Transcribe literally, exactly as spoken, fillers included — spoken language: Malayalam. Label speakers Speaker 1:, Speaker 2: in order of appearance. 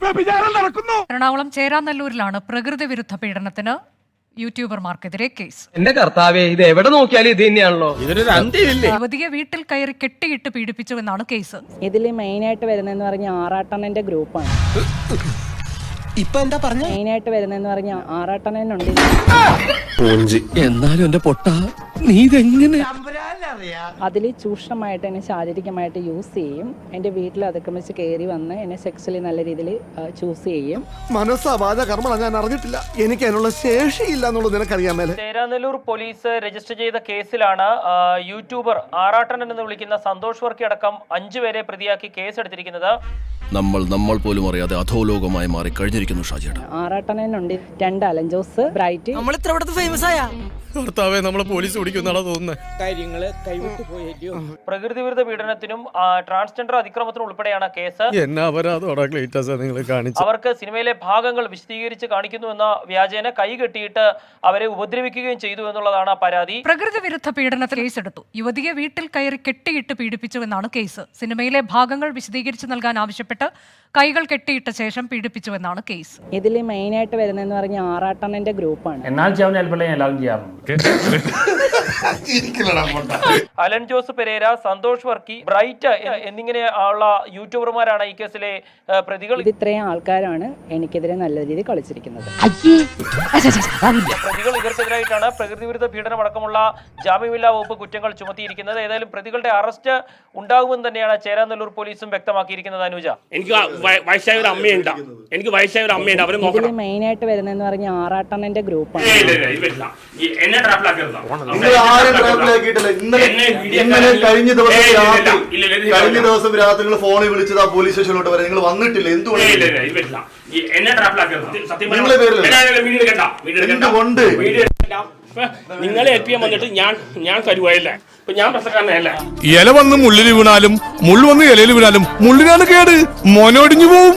Speaker 1: എറണാകുളം ചേരാനല്ലൂരിലാണ് പ്രകൃതി വിരുദ്ധ പീഡനത്തിന് യൂട്യൂബർമാർക്കെതിരെ കേസ്.
Speaker 2: എന്റെ കർത്താവേ, ഇത് എവിടെ നോക്കിയാലും ഇത് തന്നെയാണല്ലോ.
Speaker 1: യുവതിയെ വീട്ടിൽ കയറി കെട്ടിയിട്ട് പീഡിപ്പിച്ചുവെന്നാണ് കേസ്.
Speaker 3: ഇതിൽ മെയിനായിട്ട് വരുന്നതെന്ന് പറഞ്ഞ ആറാട്ടണ്ണന്റെ ഗ്രൂപ്പാണ്.
Speaker 4: ഇപ്പൊ എന്താ പറഞ്ഞ
Speaker 3: മെയിനായിട്ട് വരുന്നതെന്ന് പറഞ്ഞ ആറാട്ടണ്ണനുണ്ട്.
Speaker 4: എന്നാലും എന്റെ പൊട്ട നീ ഇതെങ്ങനെ
Speaker 3: അതിൽ ചൂഷണമായിട്ട് എന്നെ ശാരീരികമായിട്ട് യൂസ് ചെയ്യും. എന്റെ വീട്ടിൽ അതിക്രമിച്ച് കയറി വന്ന് എന്നെ സെക്സ്വലി നല്ല രീതിയിൽ ചൂസ് ചെയ്യും.
Speaker 5: മനസ്സാവാദ കർമ്മ ഞാൻ അറിഞ്ഞിട്ടില്ല. എനിക്ക് അതിനുള്ള ശേഷിയില്ല എന്നുള്ളത് നിനക്കറിയാമേ.
Speaker 6: ചേരാനല്ലൂർ പോലീസ് രജിസ്റ്റർ ചെയ്ത കേസിലാണ് യൂട്യൂബർ ആറാട്ടണ്ണൻ എന്ന് വിളിക്കുന്ന സന്തോഷ് വർക്കി അടക്കം അഞ്ചുപേരെ പ്രതിയാക്കി കേസെടുത്തിരിക്കുന്നത്.
Speaker 4: നമ്മൾ നമ്മൾ പോലും അറിയാതെ അധോലോകമായി മാറി കഴിഞ്ഞിരിക്കുന്നു ഷാജിയേട്ടൻ.
Speaker 3: ആറാട്ടണ്ണനുണ്ട്, രണ്ട് അലഞ്ചോസ്, ബ്രൈറ്റ്.
Speaker 7: നമ്മൾ ഇത്ര ഫേമസ് ആയ
Speaker 4: ഭർത്താവെ നമ്മളെ പോലീസ് പിടിക്കുന്നാണോ തോന്നുന്നത്.
Speaker 7: കാര്യങ്ങള് കൈവിട്ടു പോയോ.
Speaker 6: പ്രകൃതി വിരുദ്ധ പീഡനത്തിനും ട്രാൻസ്ജെൻഡർ അതിക്രമത്തിനും ഉൾപ്പെടെയാണ് കേസ്. അവർക്ക് സിനിമയിലെ ഭാഗങ്ങൾ വിശദീകരിച്ച് കാണിക്കുന്നുവെന്ന വ്യാജേന കൈ കെട്ടിയിട്ട് അവരെ ഉപദ്രവിക്കുകയും ചെയ്തു എന്നുള്ളതാണ് പരാതി.
Speaker 1: പ്രകൃതി വിരുദ്ധ പീഡനത്തിൽ കേസെടുത്തു. യുവതിയെ വീട്ടിൽ കയറി കെട്ടിയിട്ട് പീഡിപ്പിച്ചുവെന്നാണ് കേസ്. സിനിമയിലെ ഭാഗങ്ങൾ വിശദീകരിച്ച് നൽകാൻ ആവശ്യപ്പെട്ട് കൈകൾ കെട്ടിയിട്ട ശേഷം പീഡിപ്പിച്ചുവെന്നാണ് കേസ്.
Speaker 3: ഇതിൽ മെയിനായിട്ട് വരുന്നതെന്ന് പറഞ്ഞ ആറാട്ടണ്ണന്റെ ഗ്രൂപ്പാണ്.
Speaker 6: അലൻ ജോസ് പെരേര, സന്തോഷ് വർക്കി, ബ്രൈറ്റ് എന്നിങ്ങനെ ഉള്ള യൂട്യൂബർമാരാണ് ഈ കേസിലെ പ്രതികൾ.
Speaker 3: ഇത് ഇത്രയും ആൾക്കാരാണ് എനിക്കെതിരെ നല്ല രീതിയിൽ കളിച്ചിരിക്കുന്നത്.
Speaker 6: പ്രതികൾ ഇവർക്കെതിരായിട്ടാണ് പ്രകൃതി വിരുദ്ധ പീഡനം അടക്കമുള്ള ജാമ്യമില്ലാ വകുപ്പ് കുറ്റങ്ങൾ ചുമത്തിയിരിക്കുന്നത്. ഏതായാലും പ്രതികളുടെ അറസ്റ്റ് ഉണ്ടാകുമെന്ന് തന്നെയാണ് ചേരാനല്ലൂർ പോലീസും വ്യക്തമാക്കിയിരിക്കുന്നത്. അനുജ,
Speaker 8: എനിക്ക് വയസ്സായ ഒരു അമ്മയുണ്ട് എനിക്ക് വയസ്സായ ഒരു അമ്മയുണ്ട് അവരെ
Speaker 3: ഇതിൽ മെയിനായിട്ട് വരുന്നതെന്ന് പറഞ്ഞ ആറാട്ടണ്ണന്റെ ഗ്രൂപ്പാണ്.
Speaker 8: എന്നെ
Speaker 5: ഇന്നലെ കഴിഞ്ഞ ദിവസം രാത്രി കഴിഞ്ഞ ദിവസം രാത്രി നിങ്ങൾ ഫോണിൽ വിളിച്ചത് ആ പോലീസ് സ്റ്റേഷനിലോട്ട് വരെ നിങ്ങൾ വന്നിട്ടില്ല. എന്തുകൊണ്ട്
Speaker 8: എന്നെ സത്യം
Speaker 5: എന്തുകൊണ്ട്
Speaker 8: നിങ്ങളെ ഏൽപ്പിക്കാൻ വന്നിട്ട് ഞാൻ ഞാൻ കരുവായില്ല. ഇപ്പൊ ഞാൻ പ്രശ്നക്കാരനല്ല.
Speaker 4: ഇല വന്ന് മുള്ളിൽ വീണാലും മുള്ളു വന്ന് ഇലയിൽ വീണാലും മുള്ളിനാണ് കേട്, മോനോടിഞ്ഞു പോവും.